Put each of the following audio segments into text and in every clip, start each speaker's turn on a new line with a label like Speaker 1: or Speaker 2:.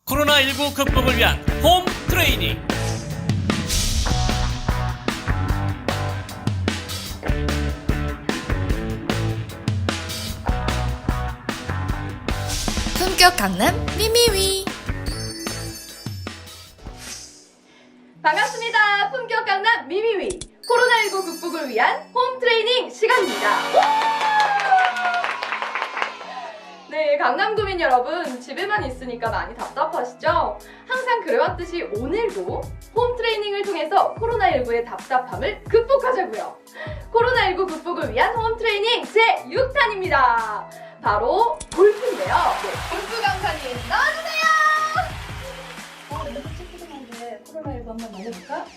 Speaker 1: 코로나19 극복을 위한 홈 트레이닝.
Speaker 2: 품격 강남 미미위.
Speaker 3: 반갑습니다. 품격 강남 미미위 코로나19 극복을 위한 홈 트레이닝 시간입니다. 네, 강남구민 여러분, 집에만 있으니까 많이 답답하시죠? 항상 그래왔듯이 오늘도 홈 트레이닝을 통해서 코로나19의 답답함을 극복하자고요. 코로나19 극복을 위한 홈 트레이닝 제6탄입니다. 바로 골프인데요. 네, 골프 강사님 나와주세요!
Speaker 4: 연습 체크하는데 코로나19 한번 날려볼까?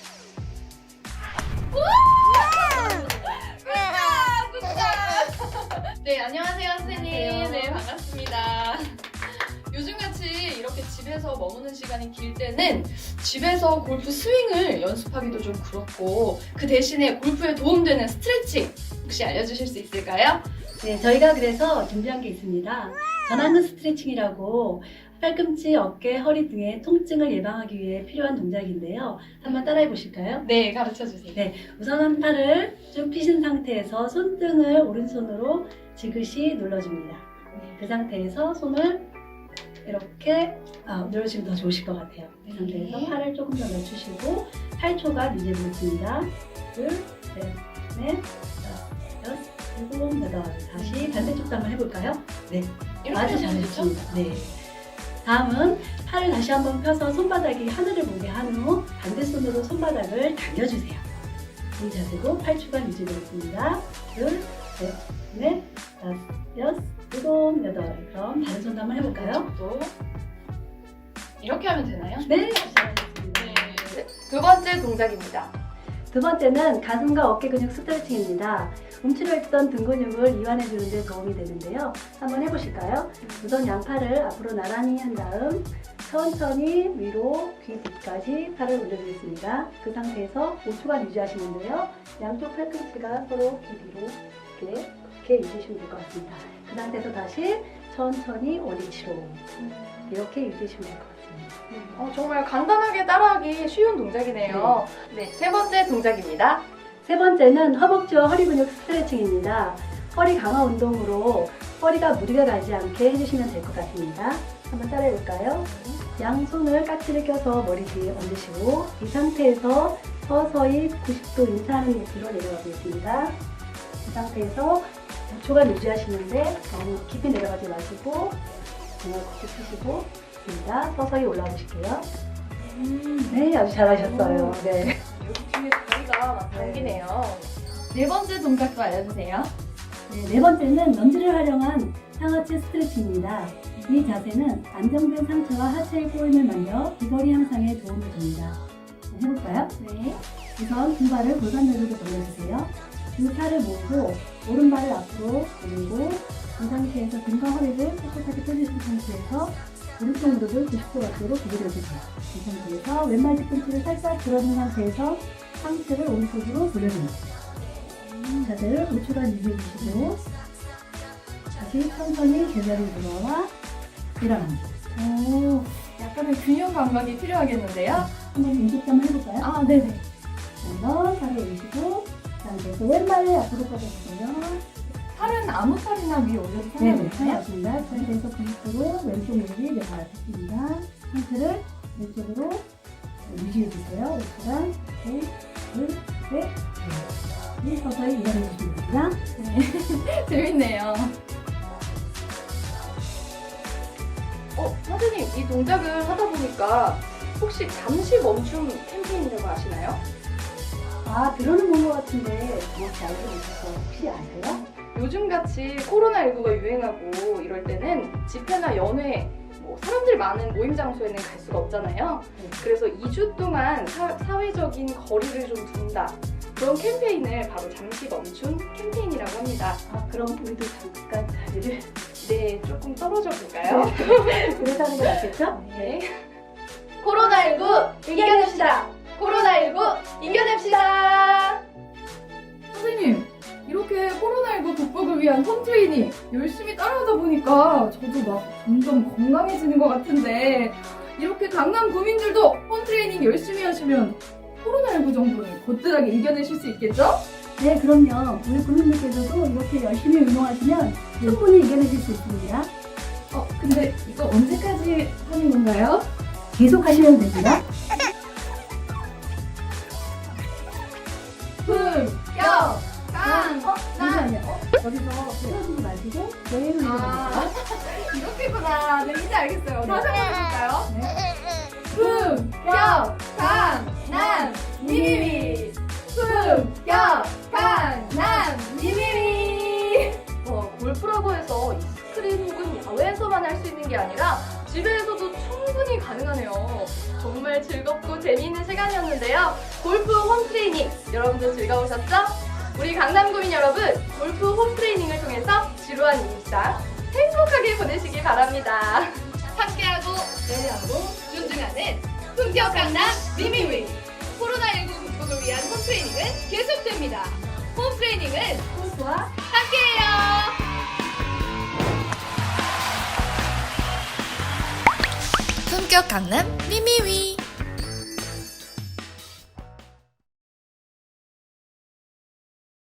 Speaker 3: 네, 안녕하세요, 선생님.
Speaker 4: 안녕하세요.
Speaker 3: 네, 반갑습니다. 요즘같이 이렇게 집에서 머무는 시간이 길 때는 집에서 골프 스윙을 연습하기도 좀 그렇고 그 대신에 골프에 도움되는 스트레칭 혹시 알려주실 수 있을까요?
Speaker 4: 네, 저희가 그래서 준비한 게 있습니다. 전완근 스트레칭이라고 팔꿈치, 어깨, 허리 등의 통증을 예방하기 위해 필요한 동작인데요. 한번 따라해 보실까요?
Speaker 3: 네, 가르쳐주세요.
Speaker 4: 네, 우선은 팔을 쭉 펴신 상태에서 손등을 오른손으로 지그시 눌러줍니다. 그 상태에서 손을 이렇게 눌러주시면 더 좋으실 것 같아요. 이 상태에서 팔을 조금 더 낮추시고 8초간 유지해보겠습니다. 둘, 셋, 넷, 다섯, 여섯, 일곱, 여덟. 다시 반대쪽도 한번 해볼까요? 네, 아주 잘하셨습니다. 네. 다음은 팔을 다시 한번 펴서 손바닥이 하늘을 보게 한 후 반대손으로 손바닥을 당겨주세요. 이 자세로 8초간 유지되겠습니다. 둘, 셋, 넷, 다섯, 여섯, 일곱, 여덟. 그럼 다른 손도 한번 해볼까요?
Speaker 3: 또 이렇게 하면 되나요?
Speaker 4: 네, 잘하셨습니다.
Speaker 3: 네. 두 번째 동작입니다.
Speaker 4: 두 번째는 가슴과 어깨 근육 스트레칭입니다. 움츠려 있던 등 근육을 이완해주는 데 도움이 되는데요. 한번 해보실까요? 우선 양팔을 앞으로 나란히 한 다음 천천히 위로 귀 뒤까지 팔을 올려주겠습니다. 그 상태에서 5초간 유지하시는데요. 양쪽 팔꿈치가 서로 귀 뒤로 이렇게 유지하시면 될 것 같습니다. 그 상태에서 다시 천천히 어디치로 이렇게 유지하시면 될 것 같습니다.
Speaker 3: 정말 간단하게 따라하기 쉬운 동작이네요. 네, 세 번째 동작입니다.
Speaker 4: 세 번째는 허벅지와 허리 근육 스트레칭입니다. 허리 강화 운동으로 허리가 무리가 가지 않게 해주시면 될 것 같습니다. 한번 따라해 볼까요? 양손을 까치를 껴서 머리 뒤에 얹으시고 이 상태에서 서서히 90도 인사하는 위치로 내려가 보겠습니다. 이 상태에서 5초간 유지하시는데 너무 깊이 내려가지 마시고 정말 걷기 펴시고 있습니다. 서서히 올라와 보실게요. 네, 아주 잘하셨어요. 네.
Speaker 3: 여기 뒤에 다리가 막 당기네요. 네 번째 동작도 알려주세요.
Speaker 4: 네 번째는 런지를 활용한 상하체 스트레칭입니다. 이 자세는 안정된 상체와 하체의 꼬임을 만져 비거리 향상에 도움을 줍니다. 해볼까요?
Speaker 3: 네.
Speaker 4: 우선 두 발을 골반대로 돌려주세요. 두 팔을 모으고 오른발을 앞으로 돌리고 이 상태에서 등과 허리를 꼿꼿하게 펴주신 상태에서 오른쪽 무릎을 90도 각도로 구부려주세요. 이 상태에서 왼발 뒤꿈치를 살짝 들어준 상태에서 상체를 오른쪽으로 돌려줍니다. 자세를 5초간 유지해주시고 다시 천천히 제자리로 돌아와 일어납니다.
Speaker 3: 오, 약간의 균형 감각이 필요하겠는데요?
Speaker 4: 한번 연습 한번 해볼까요?
Speaker 3: 아, 네네.
Speaker 4: 한번 팔을 올리시고 상태에서 왼발을 앞으로 뻗어주세요.
Speaker 3: 팔은 아무 팔이나 위에 올려도
Speaker 4: 네네,
Speaker 3: 상관없나요?
Speaker 4: 맞습니다. 상태에서 90도로 왼쪽 무릎이 내 발 앞에 습니다. 상태를 왼쪽으로 유지해주세요. 5초간 둘, 셋, 넷. 서서히 일어나주시면 됩니다.
Speaker 3: 재밌네요. 선생님, 이 동작을 하다 보니까 혹시 잠시 멈춤 캠페인이라고 아시나요?
Speaker 4: 들어는 본 것 같은데 정확히 알고 계셔서 혹시 아세요?
Speaker 3: 요즘같이 코로나19가 유행하고 이럴 때는 집회나 연회, 사람들 많은 모임 장소에는 갈 수가 없잖아요. 그래서 2주 동안 사회적인 거리를 좀 둔다. 그런 캠페인을 바로 잠시 멈춘 캠페인이라고 합니다.
Speaker 4: 그럼 우리도 잠깐 자리를
Speaker 3: 네, 조금 떨어져 볼까요?
Speaker 4: 그래서 하는 게 낫겠죠?
Speaker 3: 네. 코로나19 이겨냅시다! 코로나19 이겨냅시다! 선생님, 이렇게 코로나19 극복을 위한 홈 트레이닝 열심히 따라하다 보니까 저도 막 점점 건강해지는 것 같은데
Speaker 5: 이렇게 강남 구민들도 홈트레이닝 열심히 하시면 코로나19 정도는 거뜬하게 이겨내실 수 있겠죠?
Speaker 4: 네, 그럼요. 우리 국민들께서도 이렇게 열심히 운동하시면 충분히 이겨내실 수 있습니다.
Speaker 5: 근데 이거 언제까지 하는 건가요?
Speaker 4: 계속 하시면 됩니다.
Speaker 5: 품격
Speaker 4: 잠시만요. 여기서 쓰러지지 마시고 여행을 해주세요.
Speaker 5: 이렇게구나. 네, 이제 알겠어요. 다시 한번 해볼까요? 품격 강남 미미미 품격 강남 미미미
Speaker 3: 골프라고 해서 이 스크린 혹은 야외에서만 할 수 있는 게 아니라 집에서도 충분히 가능하네요. 정말 즐겁고 재미있는 시간이었는데요. 골프 홈트레이닝 여러분들 즐거우셨죠? 우리 강남구민 여러분, 골프 홈트레이닝을 통해서 지루한 일상 행복하게 보내시기 바랍니다. 함께하고 배려하고 존중하는 품격 강남 미미위 코로나19 극복을 위한 홈트레이닝은 계속됩니다. 홈트레이닝은 골프와 함께해요.
Speaker 2: 품격 강남 미미위